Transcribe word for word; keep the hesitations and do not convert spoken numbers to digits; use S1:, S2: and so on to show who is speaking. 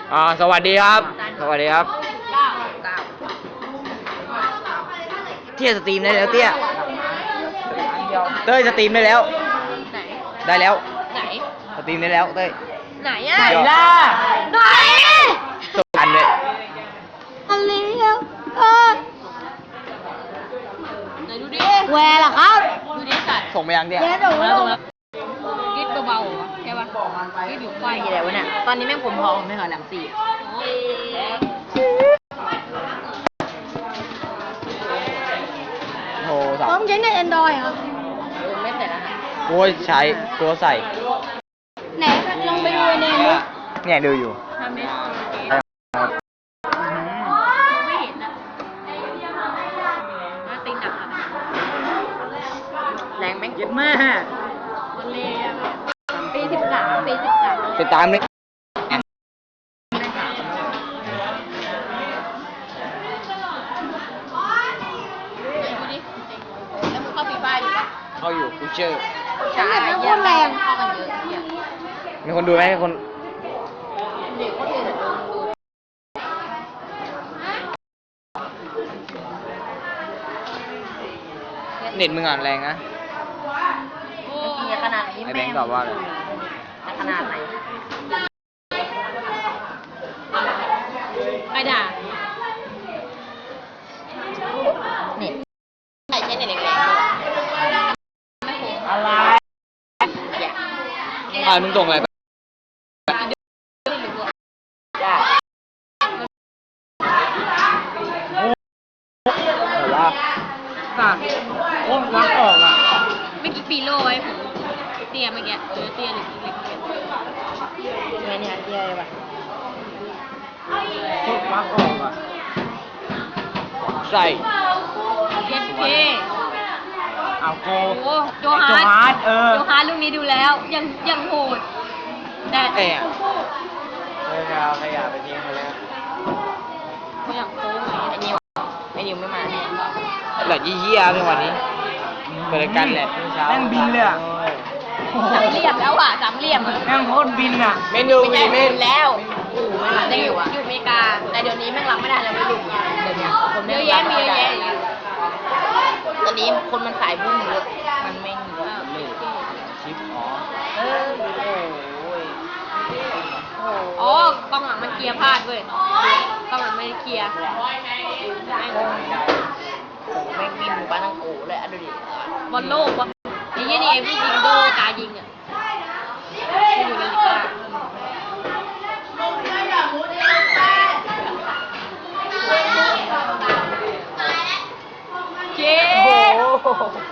S1: อ่าสวัสดีครับสวัสดีครับเตี้ยสตรีมได้แล้วเตี้ยเต้ยสตรีมได้แล้ว
S2: ไหน
S1: ได้แล้ว
S2: ไหน
S1: สตรีมได้แล้วเต้ย
S2: ไหนอ่ะ
S1: ไหนล่ะ
S2: ไหน
S1: ส่งอันเลย
S2: อันนี้เออไหนดูดิแหวร์ล่ะครับดูดิสัตว์
S1: ส่งไปยังเตี้ย
S2: เดี๋ยวส่งแล้วส่งแล้วกิดเบาๆเหรอใช่ป่ะกิดอยู่ไฟอะไรวะเนี่ยตอนนี้แม่งผมทองไม่เหรอหลังสี่
S1: โทรศัพ
S2: พร้อม
S1: ท์
S2: ใช้ในแอนดรอยครับไม่ใส่แล้วนะ
S1: โอ้ยใช้ตัวใส่
S2: ไหนลองไปดูในมือ
S1: เนี่ยดูอยู่
S2: ทำไหมไม่เห็นอ่ะมาตีหนักอ่ะแรงแม่งเยอะมากวันเลยปีสิบสามปีสิบสาม
S1: ติดตามเลย
S2: แล้วมึงเข้าปีบ้านอยู่ปะ
S1: เข้าอยู่กูเจอ
S2: ใช่เยี่ยมแรงเข้ากันเยอะเยี่ยม
S1: มีคนดูไหมมีคน
S2: เด็กคนอื่นดูดู
S1: เน็ตมึงอ่านแรงนะ
S2: กินขนาดนี้
S1: ไอ้แบงค์ตอบว่าอะไร
S2: ขนาดไหนใครด่าเน็ตใครใช้เน็ตเล็กๆไม่คุ้ม
S1: อะไรอ่านมึงตรงอะไรแต่ว่าตัดโค้งวักออกอ่ะ
S2: ไม่กี่ปีโลไว้ผมเตี้ยเมื่อกี้เออเตี้ยหรือเล็กๆไม่เนี่ยเตี้ยเลยป่ะ
S1: โค้งวักออกอ่ะใส่
S2: เย็ดเค
S1: เอาโก
S2: โอ้โจฮาร์
S1: โจฮาร์ทเออ
S2: โจฮาร์ลูกนี้ดูแล้วยังยังโหดแต่
S1: เอ๊ะเฮ้ยเอาขยะไปทิ้งไปแล้ว
S2: เขาอยากโค้งไอ้นิวไอ้นิวไม่มาเนี่ย
S1: เหลือยี่ยี่ในวันนี้เปิดรายการแหละเช้า
S3: แม่งบินเลยอะ
S2: สามเหลี่ยมแล้วอ่ะสามเหลี่ยมอะ
S3: แม่งโคตรบินอ่ะ
S1: เมนู
S2: ไม่
S1: มี
S2: ใช่
S1: เม
S2: บิ
S1: น
S2: นแล้วโอ้โหไม่มาได้อยู่อะอยู่อเมริกาแต่เดี๋ยวนี้แม่งรับไม่ได้แล้วไม่รู้เดี๋ยวนี้คนเยอะแยะมีเยอะแยะอยู่ตอนนี้คนมันสายบุ้งเยอะมันไม่มีเลย
S1: ชิปอ๋อ
S2: เอออ๋อกล้องหลังมันเคลียร์พลาดเว้ยกล้องหลังไม่ได้เคลียร์แม่ง
S3: แม่งบินหมู่บ้านทั้งโอ้เลยอ่ะดูดิ
S2: บอลโลกวะไอ้เหี้ยนี่เอ็มวียิงโดกายิงอ่ะไม่อยู่ในลิก้าเจ๊